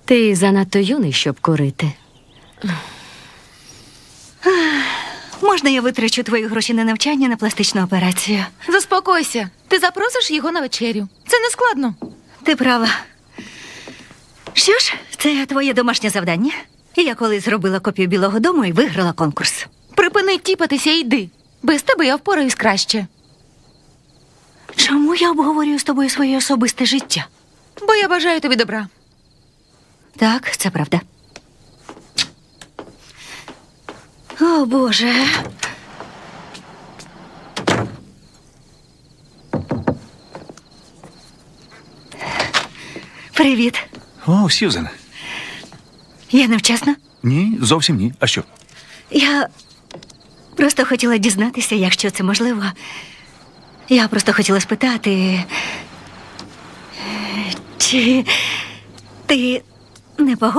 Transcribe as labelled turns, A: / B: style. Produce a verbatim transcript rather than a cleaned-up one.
A: Ти занадто юний, щоб курити.
B: Можна я витрачу твої гроші на навчання на пластичну операцію?
C: Заспокойся. Ти запросиш його на вечерю. Це не складно.
B: Ти права. Що ж, це твоє домашнє завдання. Я колись зробила копію Білого дому і виграла конкурс.
C: Припини тіпатися і йди. Без тебе я впораюсь краще.
B: Чому я обговорюю з тобою своє особисте життя?
C: Бо я бажаю тобі добра.
B: Так, це правда. О, Боже. Привіт.
D: О, Сьюзен.
B: Я невчасно?
D: Ні, зовсім ні. А що?
B: Я просто хотіла дізнатися, якщо це можливо. Я просто хотіла спитати, чи ти не погодишся?